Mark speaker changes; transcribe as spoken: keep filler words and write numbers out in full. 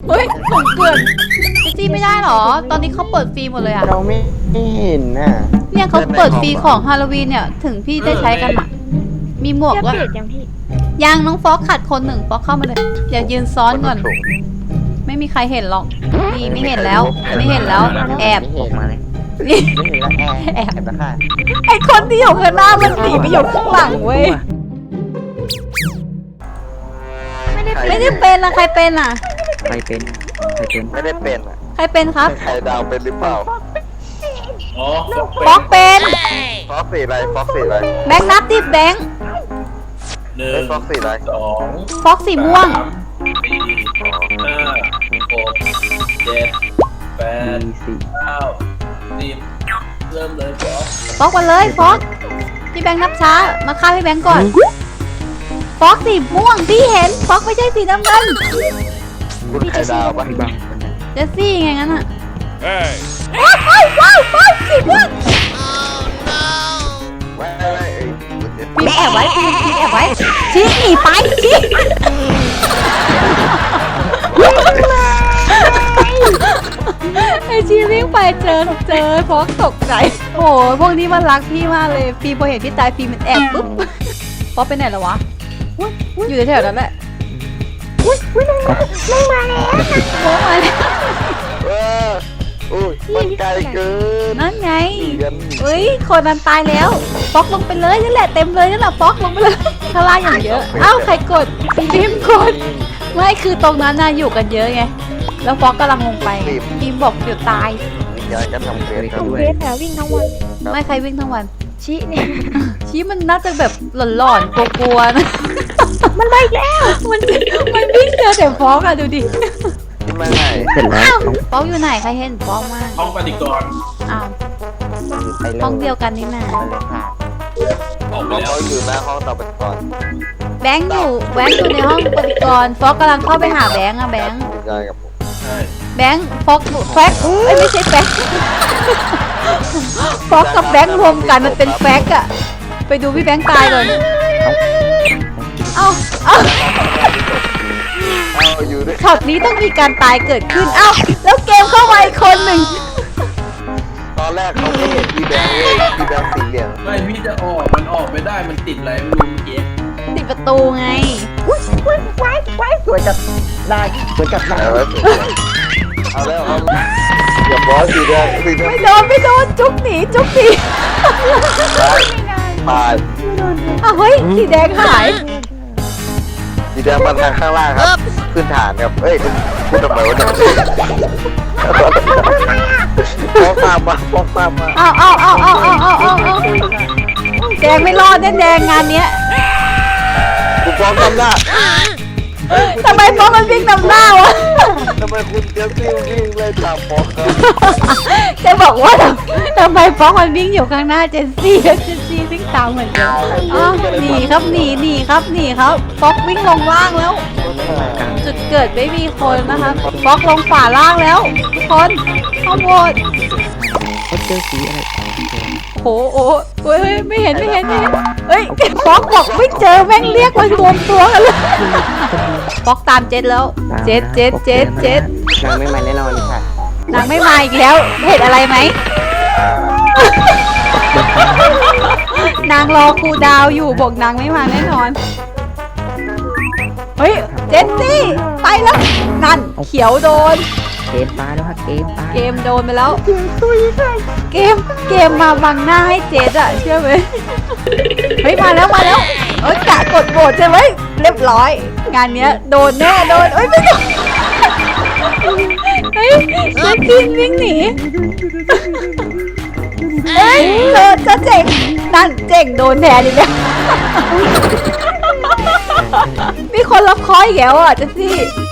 Speaker 1: เฮ้ยผมเกินเจสซี่ไม่ได้หรอตอนนี้เขาเปิดฟรีหมดเลยอะ
Speaker 2: เราไม่เห็นน่ะ
Speaker 1: เนี่ยเขาเปิดฟรีของฮาโลวีนเนี่ยถึงพี่ได้ใช้กันอะมีหมวก
Speaker 3: จะ
Speaker 1: ด้วย
Speaker 3: เปลี่ยนยังพี่
Speaker 1: ยังน้องฟอกขาดคนหนึ่งฟอกเข้ามาเลยเดี๋ยวยืนซ้อนก่อน ไม่มีใครเห็นหรอกนี่ไม่เห็นแล้วไม่เห็นแล้วแอบ
Speaker 2: ไม่เห็นมาเลย
Speaker 1: นี่
Speaker 2: ไม่เห็นแล้วแอบแอบแล้วค่ะ
Speaker 1: ไอคนที่อยู่ข้างหน้ามันหนีไปอยู่ข้างหลังเว้ย
Speaker 3: ไม่ได้
Speaker 1: ไม่ได้เป็นอะใครเป็นอะ
Speaker 4: ใครเป็นใครเป็น
Speaker 2: ไม่ได้เป็นอ่ะ
Speaker 1: ใครเป็นครับ
Speaker 2: ไข่ดาวเป็นหรือเปล่า
Speaker 5: อ๋อ
Speaker 1: ฟอกเป็น
Speaker 2: ฟอกสีอะไรฟอกสีอะไร
Speaker 1: แบงค์นับดิแบงค์
Speaker 5: หนึ่
Speaker 2: ไม่
Speaker 5: ง
Speaker 2: ฟอกสีอะไร
Speaker 5: สอง
Speaker 1: ฟอกสีม่วง
Speaker 5: สามสี่ห้าหกเจ็ดแปด
Speaker 4: มีสี่
Speaker 5: เก้าสิบเริ่มเลยบอส
Speaker 1: ฟอกมาเลยฟอกพี่แบงค์นับช้ามาฆ่าพี่แบงค์ก่อนฟอกสีม่วงที่เห็นฟอกไม่ใช่สีน้ำเงิน
Speaker 2: คุณไข่ดาวปะ
Speaker 4: พี่บังคนนั้น
Speaker 1: เจสซี่ไงงั้นอะว้าวว้าวว้าวสีม่วง
Speaker 2: ไว้ไว้ไอ้
Speaker 1: พี่แอบไว้พี่พี่แอบไว้ชี้หนีไปชี้ไอชีวิ่งไปเจอเจอฟอกตกใจโอ้โหพวกนี้มันรักพี่มากเลยฟีพอเห็นพี่ตายฟีมันแอบปุ๊บฟอกไปไหนแล้ววะอยู่แถวๆนั้นแหละ
Speaker 3: ไม่มาแล้ว
Speaker 1: ฟอกมาแล้ว
Speaker 2: เอออุ้ยมันไกลเกิน
Speaker 1: นั่นไง
Speaker 2: เดือน
Speaker 1: เฮ้ยคนนั้นตายแล้วฟอกลงไปเลยนั่นแหละเต็มเลยนั่นแหละฟอกลงไปเลยข้างล่างอย่างเยอะเอ้าใครกดพี่พิมกดไม่คือตรงนั้นน่ะอยู่กันเยอะไงแล้วฟอกกำลังลงไปพิมบอกเดี๋ยวตาย
Speaker 2: วิญญาณก็ทำเควสครับ
Speaker 3: เวทแถววิ่งทั้งวัน
Speaker 1: ไม่ใครวิ่งทั้งวัน
Speaker 3: ชิเนี่ย
Speaker 1: ชี้มันน่าจะแบบหลอนๆกลัวๆนะ
Speaker 3: มันไปแล้ว
Speaker 1: มันมันวิ่งเจอแต่ฟอกอะดูดิ
Speaker 2: ที่มาไหน
Speaker 4: เสร็จแล้วต้อง
Speaker 1: ฟอกอยู่ไหนใครเห็นฟอกมาก
Speaker 5: ห้องปฏิกรณ์
Speaker 1: อ้าว
Speaker 2: ไปเร็
Speaker 1: ห้องเดียวกันนี่นา
Speaker 2: ไปเลยค่ะ
Speaker 5: ออกไป
Speaker 2: เขา
Speaker 5: แล้ว
Speaker 2: อยู่หน้าห้องต่อไปก่อน
Speaker 1: แบงค์อยู่แบงค์อยู่ในห้องปฏิกรณ์ฟอกกำลังเข้าไปหาแบงค์อะแบงค์
Speaker 2: วิญญาณกับผม
Speaker 5: ใช่
Speaker 1: แบงค์ฟอกแฟกเอ้ยไม่ใช่แฟกฟอกกับแบงค์รวมกันมันเป็นแฟกอะไปดูพี่แบงค์ตายเลยเอ้าเอ้า
Speaker 2: เอาอยู่ด้วย
Speaker 1: ช็อตนี้ต้องมีการตายเกิดขึ้นเอ้าแล้วเกมเข้ามาอีกคนหนึ่ง
Speaker 2: ตอนแรกเขาไม่เห็นพี่แบงค์เลยพี่แบงค์สีเหลือง
Speaker 5: ไม่พี่จะออกมันออกไม่ได้มันติดอะไรไม่รู้เมื่อกี้
Speaker 1: ติดประตูไง
Speaker 2: สวยจัดได้สวยจัดได้เอาแล้วเอาแล้วเอาอย่าบอสสีแดงสีแดง
Speaker 1: ไม่โดนไม่โดนจุกหนีจุกหนี
Speaker 2: ตาย
Speaker 1: อ้าวเฮ้ยสีแดงหาย
Speaker 2: สีแดงมาทางข้างล่างครับขึ้นฐานครับเอ้ยพูดทำไมวะเนี่ยฟอกตามมาฟอกตามมา
Speaker 1: อ้าวอ้าวอ้าวอ้าวอ้าวอ้าวอ้าวอ้าวแดงไม่รอดแน่แดงงานเนี้ย
Speaker 2: คุณฟอกทำหน้า
Speaker 1: ทำไมฟอกมันวิ่งนำหน้าวะ
Speaker 2: ทำไมคุณเจสซี่วิ่งเลยตามฟอกครับ
Speaker 1: จะบอกว่าทำทำไมฟอกมันวิ่งอยู่ข้างหน้าเจนซี่แล้วเจนซี่วิ่งตามเหมือนเดิมอ๋อหนีครับหนีหนีครับหนีครับฟอกวิ่งลงล่างแล้ว จุดเกิดไม่มีคนนะคะฟอกลงฝ่าล่างแล้วทุกคนข้อมูล
Speaker 4: เขาเจอสีอะไรอ๋อเจอ
Speaker 1: โอ้โหโอ้ยเฮ้ยไม่เห็นไม่เห็นไม่เห็นเฮ้ยฟอกบอกไม่เจอแม่งเรียกมารวมตัวกันเลยฟอกตามเจ็ดแล้วเจ็ดเจ็ดเจ็ดเจ็ด
Speaker 2: นางไม่มาแน่นอนค่ะ
Speaker 1: นางไม่มาอีกแล้วเห็นอะไรไหมนางรอครูดาวอยู่บอกนางไม่มาแน่นอนเฮ้ยเจนซี่ไปแล้วนั่นเขียวโดน
Speaker 4: เกมปลาแล้วค่ะเกมปลา
Speaker 1: เกมโดนไปแล้วเกมเกมมาบังหน้าให้เจดอะเชื่อไหมเฮ้ยมาแล้วมาแล้วเอ้ยกะกดโหวตใช่ไหมเรียบร้อย งานเนี้ยโดนแน่โดนเอ้ยไม่โดนเฮ้ยเจดซี่วิ่งหนีเฮ้ยเธอจะเจ๋งนั่นเจ๋งโดนแทนอีกแล้วมีคนรับคอยอีกแล้วอ่ะเจดซี่